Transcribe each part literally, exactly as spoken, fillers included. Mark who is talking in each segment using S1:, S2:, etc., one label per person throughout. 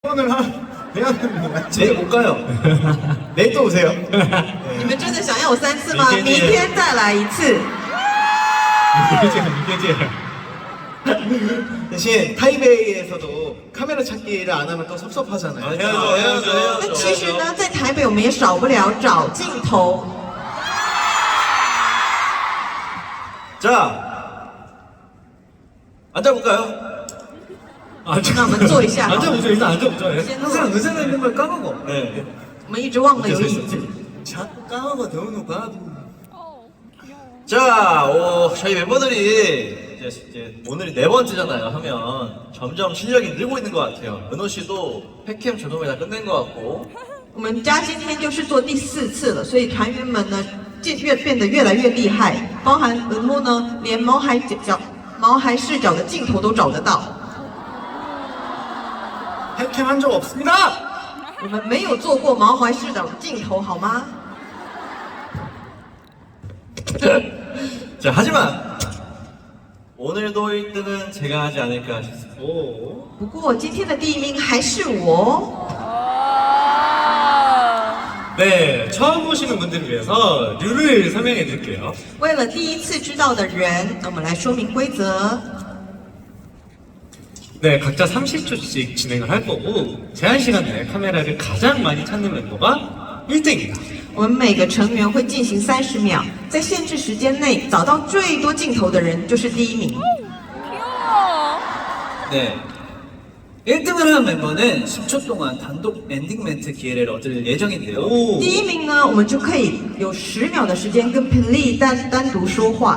S1: 오늘 한 해야 됩니다.
S2: 내일 못 가요.
S1: 내일 또 오세요.
S3: 你们真的想要我三次吗？明天再来一次。
S1: 대신 타이베이에서도 카메라 찾기를 안 하면 또 섭섭하잖아요.
S2: 아, 해야죠, 해야죠, 해야죠.
S3: 那其实呢，在台北我们也少不了找镜头。
S2: 자, 앉아볼까요?
S3: 아, 那我们坐一下好了。
S4: 앉아보죠. 일단 앉아보죠.
S3: 先
S2: 항상
S3: 坐。
S2: 의자가 있는 걸 까먹어. 네.
S3: 我们一直忘了有椅子。
S2: 자꾸 까먹어, 대우는 봐. 자, 오, 저희 멤버들이 이제, 이제 오늘이 네 번째잖아요. 하면 점점 실력이 늘고 있는 것 같아요. 은호 씨도 팩캠 조동이 다 끝낸 것 같고.
S3: 我们家今天就是做第四次了，所以团员们呢，渐越变得越来越厉害，包含文木呢，连毛孩角、毛孩视角的镜头都找得到。
S1: 팬캠 한 적 없습니다.
S3: 我们没有做过毛孩视角的镜头，好吗？
S2: 자, 하지만 오늘도 일 등은 제가 하지 않을까 싶습니다. 오.
S3: 不过今天的第一名还是我。
S4: 네, 처음 보시는 분들을 위해서 룰을 설명해 드릴게요.
S3: 为了第一次知道的人，那我们来说明规则。
S4: 네, 각자 삼십 초씩 진행을 할 거고 제한 시간 내에 카메라를 가장 많이 찾는 멤버가 일 등입니다.
S3: 我们每个成员会进行三十秒，在限制时间内找到最多镜头的人就是第一名。
S5: 네. 일 등을 한 멤버는 십 초 동안 단독 엔딩 멘트 기회를 얻을 예정인데요.
S3: 第一名呢，我们就可以有十秒的时间跟 Pili 单单独说话。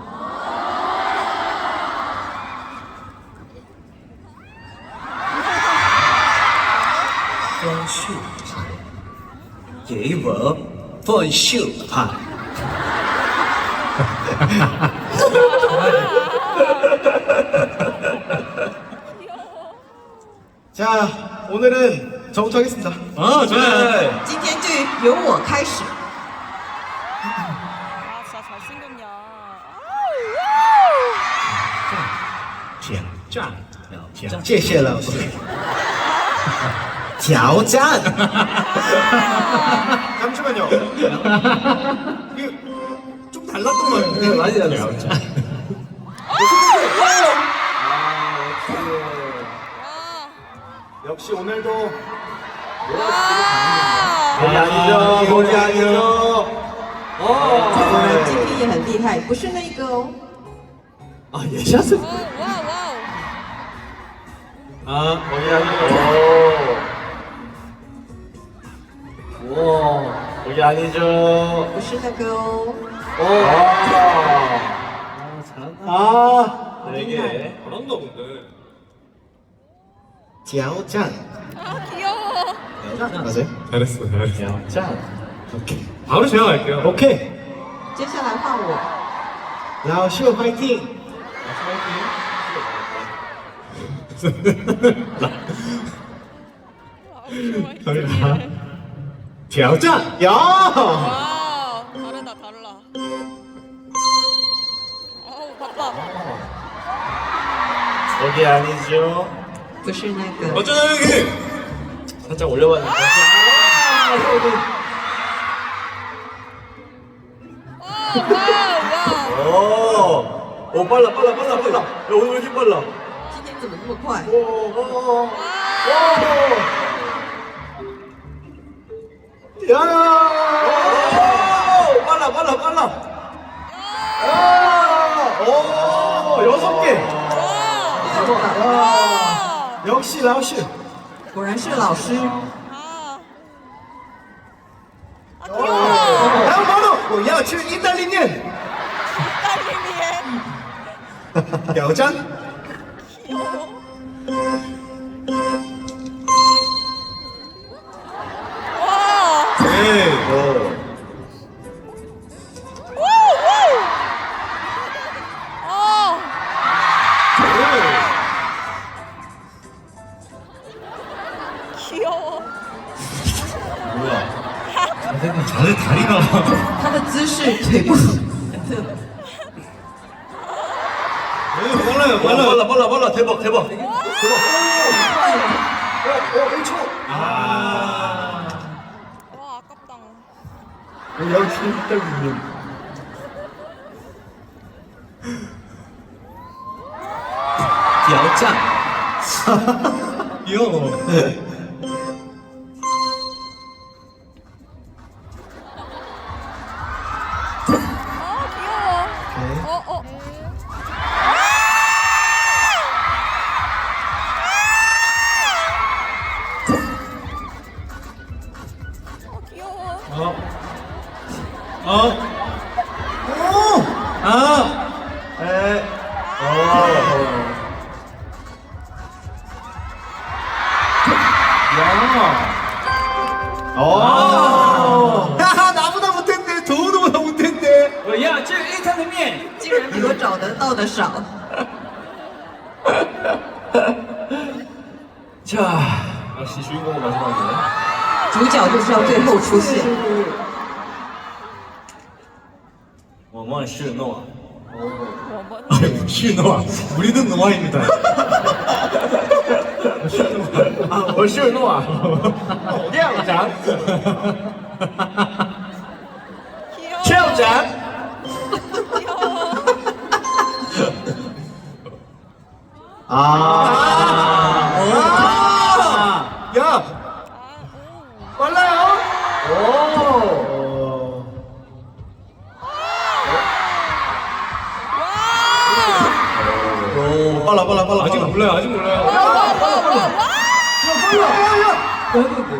S5: 分数牌，给我分数牌。
S1: 자, 오늘은 저부터 하겠습니다.
S4: 아, 좋아요.
S3: 今天就由我开始。
S6: 아 진짜 잘생겼냐.
S4: 挑战，挑
S1: 谢谢老师.挑战. 잠시만요. 이게 좀 달랐던 것 같은데.
S2: 네, 많이 달라요.
S1: 역시 오늘도
S6: 와.
S2: 우리 아니죠, 우리 아니죠.
S3: 果然今天也很厉害，不是那个哦。
S2: 아, 예샷을.
S6: 와우 와우.
S2: 아, 우리 아니죠. 오, 우리 아니죠.
S3: 不是那个哦。
S2: 오, 아, 잘한다.
S1: 아,
S2: 네 개.
S4: 잘한다 근데.
S1: 挑战.
S6: 아 귀여워.
S1: 맞아요?
S4: 잘했어, 잘했어.
S2: 자,
S1: 오케이.
S4: 바로 제가 갈게요.
S1: 오케이.
S3: 接下来换我。
S1: 라오 쇼 화이팅.
S4: 挑战，
S1: 야!
S6: 와 다르다 달라. 어우 바빠.
S2: 여기 아니죠.
S3: 不是那个。
S4: 어쩌나 여기.
S2: 살짝 올려봤는데.
S6: 와우 와우.
S2: 오, 오, 빨라, 빨라, 빨라, 빨라. 야, 오늘 왜 이렇게 빨라?
S3: 今天怎么那么快？
S2: 오, 오, 오, 오.
S1: 야!
S2: 오, 빨라, 빨라, 빨라. 아, 오, 여섯 개.
S3: 六个。
S6: 와.
S1: 역시 라오 쇼.
S3: 果然是老师。
S6: 아. 아 귀여워.
S1: 다음 바로 야, 지금 이달리는
S6: 딸님이에.
S1: 挑战.
S6: 귀여워. 와.
S4: 네.
S2: 오.
S6: 아. 귀여워.
S2: 뭐야?
S4: 다들 다리가.
S3: 他的姿势腿部很特别。
S4: 빨라요,
S2: 빨라, 빨라, 빨라, 빨라. 대박, 대박. 대박.
S1: 어, 일 초. 아.
S6: 와 아깝다.
S1: 역시 일단님.
S5: 디아오짱.
S4: 귀여워.
S6: 아 귀여워. 어 어. 어 귀여워.
S4: 어. 어. 오. 아.
S1: 에. 어.
S4: 야.
S1: 어. 하하, 나보다 못했네. 도우도보다 못했네.
S5: 我要这一汤的面。
S3: 竟然比我找得到的少。
S2: 자, 역시 주인공은 마지막이네.
S3: 主角就是要最后出现。
S2: 원원 실노아.
S6: 我们
S4: 아이고, 실노아. 우리는 노아입니다.
S1: 아, 월 실노아. 양
S6: 귀여워.
S1: 최영장.
S6: 귀여워.
S1: 아. 아. 야,
S6: 아, 오.
S1: 빨라요. 오. 오, 빨라, 빨라, 빨라.
S4: 아직
S1: 빨라.
S4: 몰라요, 아직 몰라요.
S6: 와, 와, 와, 와, 와.
S1: 빨라, 야, 야.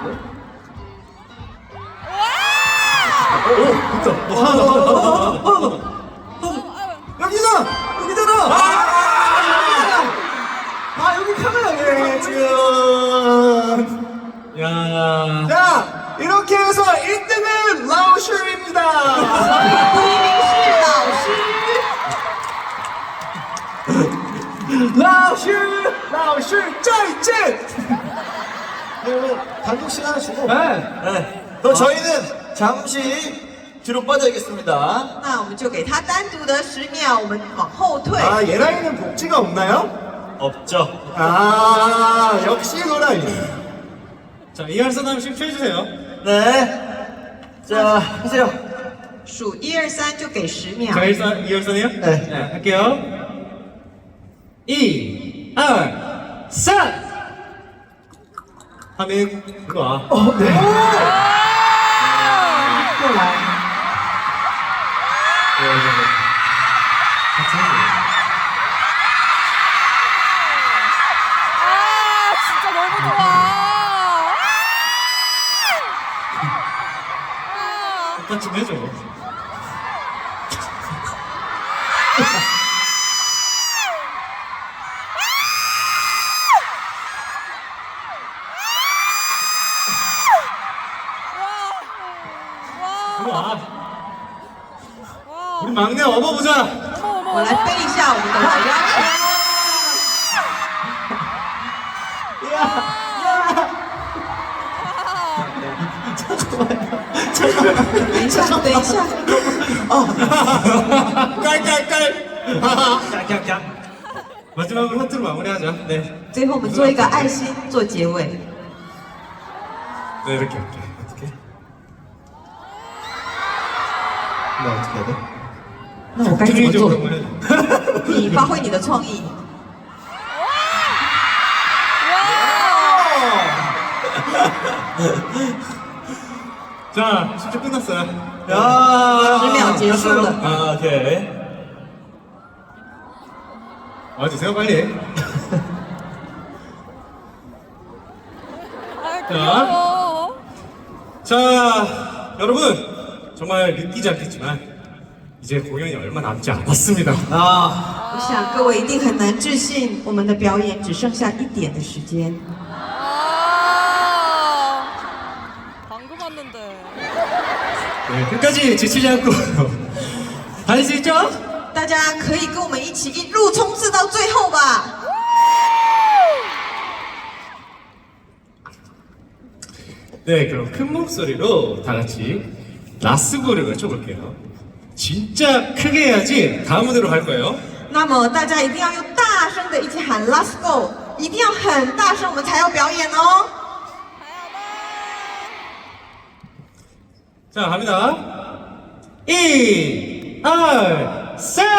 S1: 오, 됐다. 어, 하나 더, 하나 더, 하나 더, 하나 더. 여기다! 여기잖아! 아, 아, 여기 카메라네, 지금.
S4: 야.
S1: 자, 이렇게 해서 일 등은 라오슈입니다.
S3: 第一名是老师。
S1: 라오슈! 라오슈! 짜이젠! 그러면 단독 시간을 주고.
S2: 네. 그럼 저희는 잠시 뒤로 빠져야겠습니다.
S3: 那我们就给他单独的十秒，我们往后退。
S1: 아, 예라이는 복지가 없나요?
S2: 없죠.
S1: 아, 역시 노라이.
S4: 자, 이할선 한씩 펴주세요.
S2: 네. 자, 하세요.
S3: 数一二三就给十秒。
S4: 자, 일선, 이할선이요?
S1: 네.
S4: 네, 할게요. 이, 알, 산! 하면 그거 와.
S1: 어, 네.
S3: 过来。
S6: 아, 진짜 너무 좋아. 아.
S4: 오빠 좀 해줘.
S6: 와.
S4: 와.
S6: 와.
S4: 우리 막내 업어보자.
S6: 어머, 어머,
S3: 我来
S6: 어머.
S3: 背一下我们的老妖等一下，等一下，
S1: 깔깔깔.
S2: 깍깍깍.
S4: 마지막으로 하트로 마무리하자. 네.
S3: 最后我们做一个爱心做结尾。
S4: 네, 이렇게 할게. 어떻게?
S1: 나 어떻게 해야 돼?
S3: 那我该怎么做
S4: 적극적으로 ？ 한번 해줘.
S3: 你发挥你的创意。
S4: 자, 십 초 끝났어요.
S2: 야.
S3: 十秒结束了。
S2: 아, 오케이.
S4: 와주세요, 빨리.
S6: 아, 귀여워.
S4: 자, 여러분. 정말 믿기지 않겠지만, 이제 공연이 얼마 남지 않았습니다.
S5: 啊，
S3: 我想各位一定很难置信，我们的表演只剩下一点的时间。
S6: 아. 방금 왔는데.
S4: 네, 끝까지 지치지 않고 할 수 있죠?
S3: 大家可以跟我们一起一路冲刺到最后吧！
S4: 네, 그럼 큰 목소리로 다 같이 라스고를 외쳐볼게요. 진짜 크게 해야지 다음 무대로 갈 거예요.
S3: 那么大家一定要用大声的一起喊 "Let's go"， 一定要很大声，我们才要表演哦。
S4: 자, 갑니다. 일, 이, 삼.